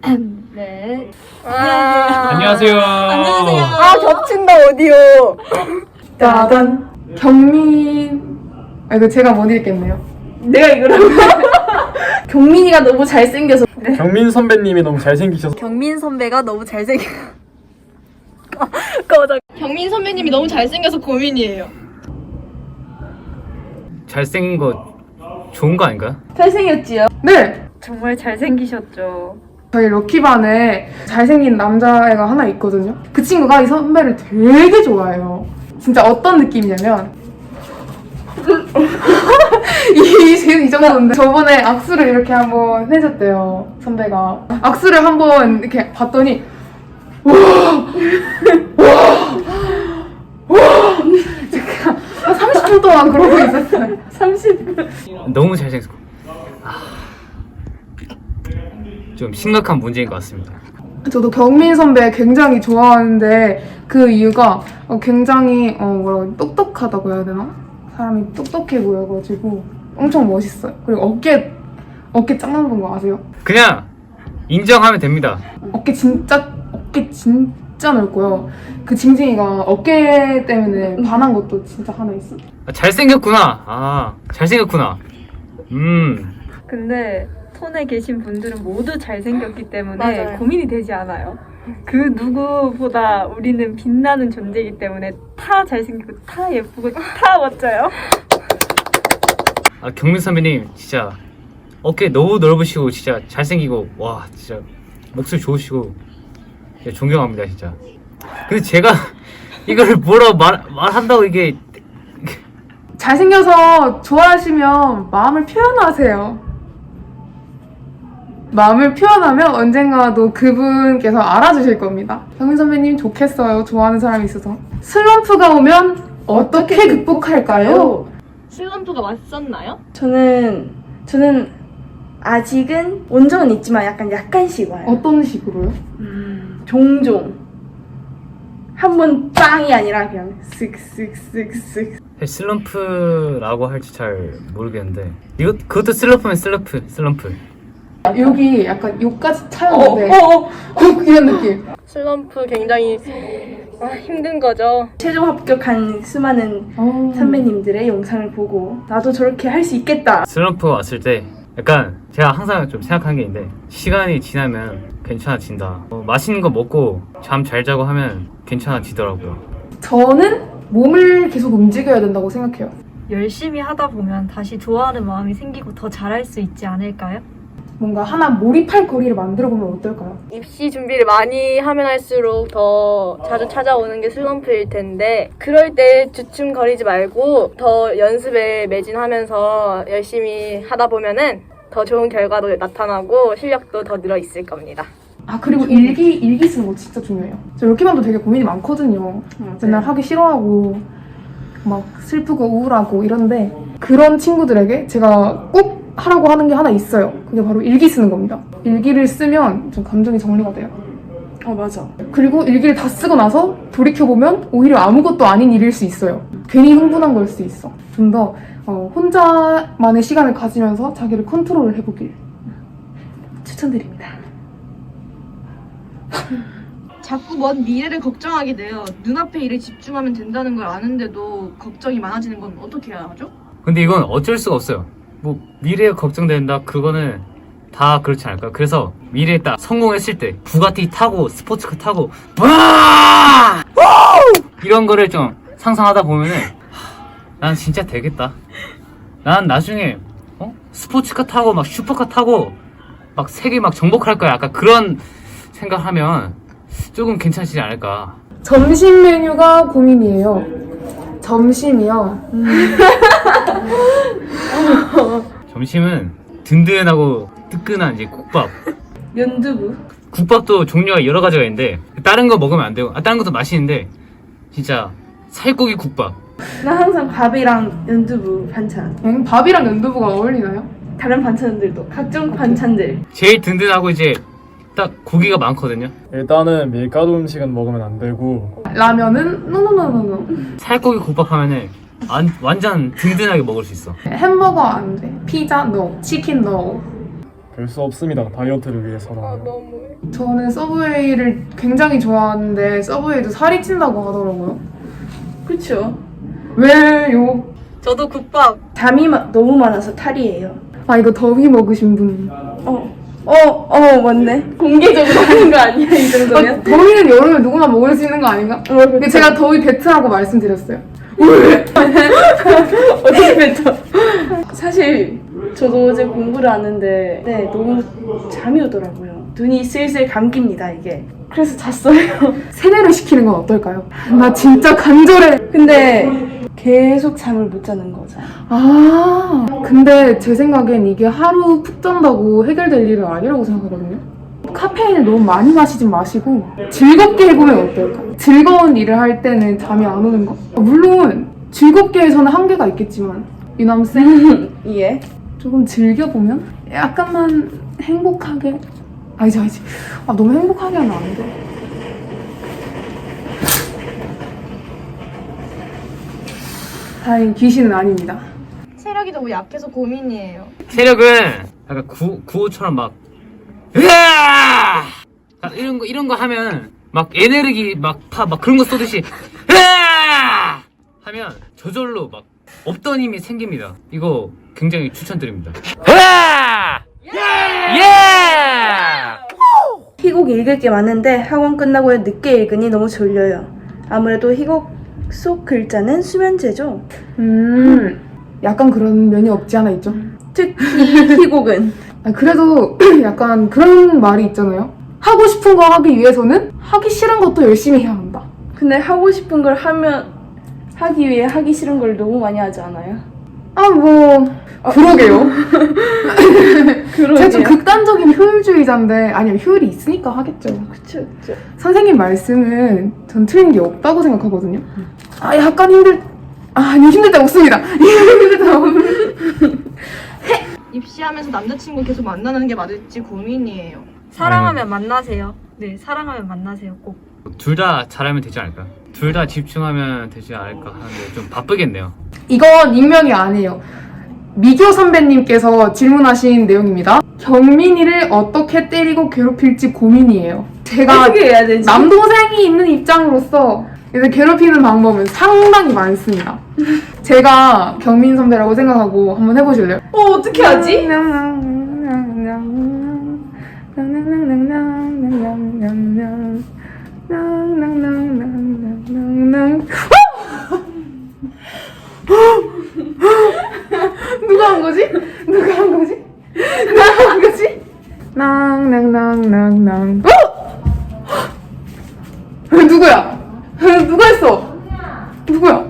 네. 안녕하세요. 안녕하세요. 아 겹친다 오디오. 짜잔. 경민. 아 이거 제가 못 읽겠네요. 내가 이거라고. 경민이가 너무 잘생겨서. 경민 선배님이 너무 잘생기셔서 경민 선배가 너무 잘생겨. 경민 선배님이 너무 잘생겨서 고민이에요. 잘생긴 거 좋은 거 아닌가요? 잘생겼지요? 네. 정말 잘생기셨죠. 저희 럭키반에 잘생긴 남자애가 하나 있거든요. 그 친구가 이 선배를 되게 좋아해요. 진짜 어떤 느낌이냐면 이 정도인데 저번에 악수를 이렇게 한번 해줬대요. 선배가 악수를 한번 이렇게 봤더니 제가 30분 동안 그러고 있었어요. 30분. 너무 잘생겼고 좀 심각한 문제인 것 같습니다. 저도 경민 선배 굉장히 좋아하는데 그 이유가 굉장히 뭐라고 똑똑하다고 해야 되나? 사람이 똑똑해 보여가지고 엄청 멋있어요. 그리고 어깨 짱 넓은 거 아세요? 그냥 인정하면 됩니다. 어깨 진짜 넓고요. 그 징징이가 어깨 때문에 반한 것도 진짜 하나 있어. 잘생겼구나. 잘생겼구나. 근데 톤에 계신 분들은 모두 잘생겼기 때문에 맞아요. 고민이 되지 않아요. 그 누구보다 우리는 빛나는 존재이기 때문에 다 잘생기고 다 예쁘고 다 멋져요. 경민 선배님 진짜 어깨 너무 넓으시고 진짜 잘생기고 와 진짜 목소리 좋으시고 진짜 존경합니다 진짜. 근데 제가 이걸 뭐라고 말한다고 이게 잘생겨서 좋아하시면 마음을 표현하세요. 마음을 표현하면 언젠가도 그분께서 알아주실 겁니다. 경민 선배님 좋겠어요. 좋아하는 사람이 있어서. 슬럼프가 오면 어떻게 극복할까요? 슬럼프가 왔었나요? 저는 아직은 온전은 있지만 약간씩 와요. 어떤 식으로요? 종종 한 번 빵이 아니라 그냥 쓱쓱쓱쓱. 슬럼프라고 할지 잘 모르겠는데 그것도 슬럼프면 슬럼프. 여기 약간 여기까지 차였는데 이런 느낌. 슬럼프 굉장히 힘든 거죠. 최종 합격한 수많은 선배님들의 영상을 보고 나도 저렇게 할 수 있겠다. 슬럼프가 왔을 때 약간 제가 항상 좀 생각하는 게 있는데 시간이 지나면 괜찮아진다. 맛있는 거 먹고 잠 잘 자고 하면 괜찮아지더라고요. 저는 몸을 계속 움직여야 된다고 생각해요. 열심히 하다 보면 다시 좋아하는 마음이 생기고 더 잘할 수 있지 않을까요? 뭔가 하나 몰입할 거리를 만들어 보면 어떨까요? 입시 준비를 많이 하면 할수록 더 자주 찾아오는 게 슬럼프일 텐데 그럴 때 주춤거리지 말고 더 연습에 매진하면서 열심히 하다 보면은 더 좋은 결과도 나타나고 실력도 더 늘어 있을 겁니다. 그리고 일기 쓰는 거 진짜 중요해요. 저 럭키반도 되게 고민이 많거든요. 맨날 하기 싫어하고 막 슬프고 우울하고 이런데 그런 친구들에게 제가 꼭 하라고 하는 게 하나 있어요. 그게 바로 일기 쓰는 겁니다. 일기를 쓰면 좀 감정이 정리가 돼요. 맞아. 그리고 일기를 다 쓰고 나서 돌이켜보면 오히려 아무것도 아닌 일일 수 있어요. 괜히 흥분한 걸 수 있어. 좀 더 혼자만의 시간을 가지면서 자기를 컨트롤을 해보길 추천드립니다. 자꾸 먼 미래를 걱정하게 돼요. 눈앞의 일에 집중하면 된다는 걸 아는데도 걱정이 많아지는 건 어떻게 해야 하죠? 근데 이건 어쩔 수가 없어요. 뭐 미래가 걱정된다 그거는 다 그렇지 않을까요? 그래서 미래에 딱 성공했을 때 부가티 타고 스포츠카 타고 와! 이런 거를 좀 상상하다 보면은 난 진짜 되겠다. 난 나중에 스포츠카 타고 막 슈퍼카 타고 막 세계 막 정복할 거야. 약간 그런 생각하면 조금 괜찮지 않을까. 점심 메뉴가 고민이에요. 점심이요. 점심은 든든하고 뜨끈한 이제 국밥. 연두부. 국밥도 종류가 여러 가지가 있는데 다른 거 먹으면 안 되고 다른 것도 맛있는데 진짜 살코기 국밥. 나 항상 밥이랑 연두부 반찬. 밥이랑 연두부가 어울리나요? 다른 반찬들도 각종 반찬들. 제일 든든하고 이제 딱 고기가 많거든요. 일단은 밀가루 음식은 먹으면 안 되고 라면은 노노노노노. 살코기 국밥 하면은 완전 든든하게 먹을 수 있어. 햄버거 안 돼. 피자 no. 치킨 no. 별 수 없습니다. 다이어트를 위해서는. 너무해. 저는 서브웨이를 굉장히 좋아하는데 서브웨이도 살이 찐다고 하더라고요. 그쵸. 왜요? 저도 국밥. 잠이 너무 많아서 탈이에요. 아 이거 더위 먹으신 분. 맞네. 공개적으로 하는 거 아니야, 이 정도면? 더위는 여름에 누구나 먹을 수 있는 거 아닌가? 근데 제가 더위 배트라고 말씀드렸어요. 어떻게 뱉어? 사실 저도 어제 공부를 하는데 너무 잠이 오더라고요. 눈이 슬슬 감깁니다, 이게. 그래서 잤어요. 세뇌를 시키는 건 어떨까요? 나 진짜 간절해. 근데 계속 잠을 못 자는 거죠. 아, 근데 제 생각엔 이게 하루 푹 잔다고 해결될 일은 아니라고 생각하거든요. 카페인을 너무 많이 마시진 마시고 즐겁게 해보면 어떨까? 즐거운 일을 할 때는 잠이 안 오는 거? 물론 즐겁게 해서는 한계가 있겠지만 유남쌤 예. 조금 즐겨보면 약간만 행복하게 아니지 너무 행복하게 하면 안 돼. 다행히 귀신은 아닙니다. 체력이 너무 약해서 고민이에요. 체력은 약간 구호처럼 막 으아! 이런 거 하면 막 에너지 막 그런 거 쏘듯이 으아! 하면 저절로 막 없던 힘이 생깁니다. 이거 굉장히 추천드립니다. 으아! 예! 희곡 읽을 게 많은데 학원 끝나고 늦게 읽으니 너무 졸려요. 아무래도 희곡 속 글자는 수면제죠. 약간 그런 면이 없지 않아 있죠. 특히 희곡은 그래도 약간 그런 말이 있잖아요. 하고 싶은 거 하기 위해서는 하기 싫은 것도 열심히 해야 한다. 근데 하고 싶은 걸 하기 위해 하기 싫은 걸 너무 많이 하지 않아요? 그러게요. 제가 좀 그러게요. 극단적인 효율주의자인데 아니면 효율이 있으니까 하겠죠. 그쵸. 선생님 말씀은 전 틀린 게 없다고 생각하거든요. 약간 힘들 때 없습니다. 힘들 때 없습니다. 입시하면서 남자친구 계속 만나는 게 맞을지 고민이에요. 사랑하면 만나세요. 네, 사랑하면 만나세요. 꼭. 둘 다 잘하면 되지 않을까? 둘 다 집중하면 되지 않을까 하는데 좀 바쁘겠네요. 이건 익명이 아니에요. 미교 선배님께서 질문하신 내용입니다. 경민이를 어떻게 때리고 괴롭힐지 고민이에요. 제가 어떻게 해야 되지? 남동생이 있는 입장으로서 이제 괴롭히는 방법은 상당히 많습니다. 제가 경민 선배라고 생각하고 한번 해보실래요? 어떻게 하지? 누가 한 거지? 누가 한 거지? 낭낭낭낭낭. 누구야? 누가 했어? 누구야?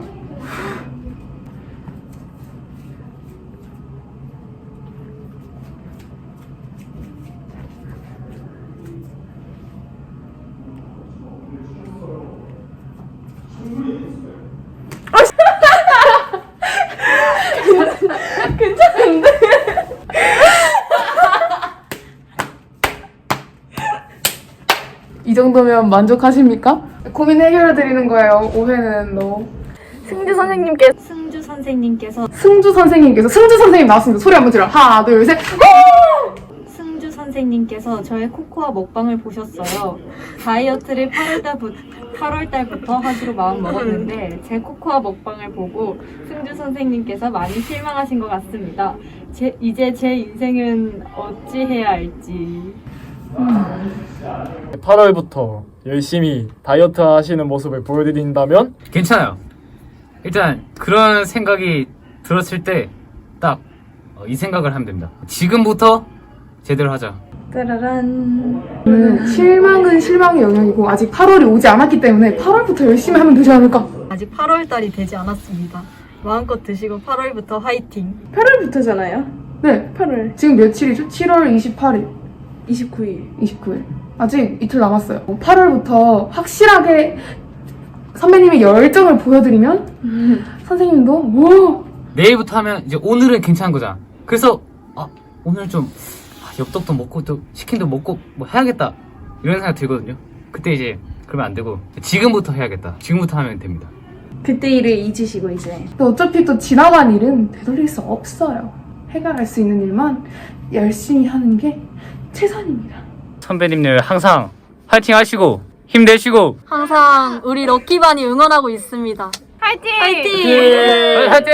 이 정도면 만족하십니까? 고민 해결해 드리는 거예요. 오해는 너. 승주 선생님께 승주 선생님께서 승주 선생님 나왔습니다. 소리 한번 질러. 하나, 둘, 셋. 승주 선생님께서 저의 코코아 먹방을 보셨어요. 다이어트를 8월 달부터 하기로 마음 먹었는데 제 코코아 먹방을 보고 승주 선생님께서 많이 실망하신 것 같습니다. 이제 제 인생은 어찌 해야 할지. 8월부터 열심히 다이어트 하시는 모습을 보여드린다면 괜찮아요. 일단 그런 생각이 들었을 때 딱 이 생각을 하면 됩니다. 지금부터 제대로 하자. 따라란. 실망은 실망의 영역이고 아직 8월이 오지 않았기 때문에 8월부터 열심히 하면 되지 않을까? 아직 8월 달이 되지 않았습니다. 마음껏 드시고 8월부터 화이팅. 8월부터잖아요. 네. 8월 지금 며칠이죠? 7월 28일, 29일. 29일. 아직 이틀 남았어요. 8월부터 확실하게 선배님의 열정을 보여드리면 선생님도 오! 내일부터 하면 이제 오늘은 괜찮은 거잖아. 그래서 오늘 좀 엽떡도 먹고 또 치킨도 먹고 뭐 해야겠다 이런 생각 들거든요. 그때 이제 그러면 안 되고 지금부터 해야겠다. 지금부터 하면 됩니다. 그때 일을 잊으시고 이제 근데 어차피 또 지나간 일은 되돌릴 수 없어요. 해결할 수 있는 일만 열심히 하는 게 최선입니다. 선배님들 항상 화이팅 하시고 힘내시고 항상 우리 럭키반이 응원하고 있습니다. 화이팅! 화이팅!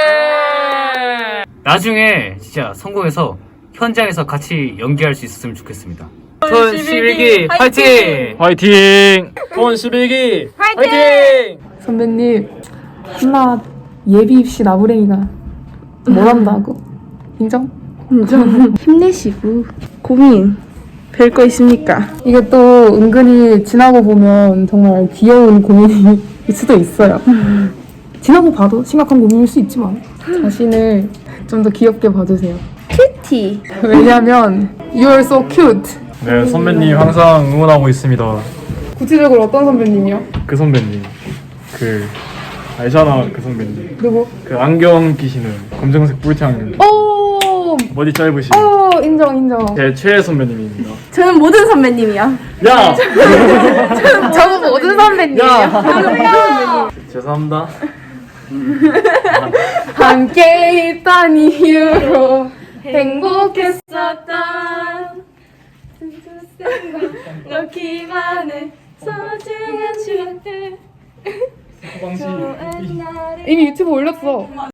나중에 진짜 성공해서 현장에서 같이 연기할 수 있었으면 좋겠습니다. 손 11기 화이팅! 화이팅! 돈 11기 화이팅! 선배님 하나 예비 입시 나부랭이가 뭘 한다고? 인정? 힘내시고 고민 별 거 있습니까? 이게 또 은근히 지나고 보면 정말 귀여운 고민일 수도 있어요. 지나고 봐도 심각한 고민일 수 있지만 자신을 좀 더 귀엽게 봐주세요. 큐티. 왜냐면 You're so cute. 네, 선배님 항상 응원하고 있습니다. 구체적으로 어떤 선배님이요? 그 선배님 알잖아, 그 선배님. 누구? 그 안경 끼시는 검정색 뿔테 안경, 오! 머리 짧으신 인정. 제 최애 선배님입니다. 저는 모든 선배님이요. 야! 저는 모든 선배님이에요. 죄송합니다. 함께 있던 이유로 행복했었던 럭키반의 소중한 추억들. 이미 유튜브 올렸어.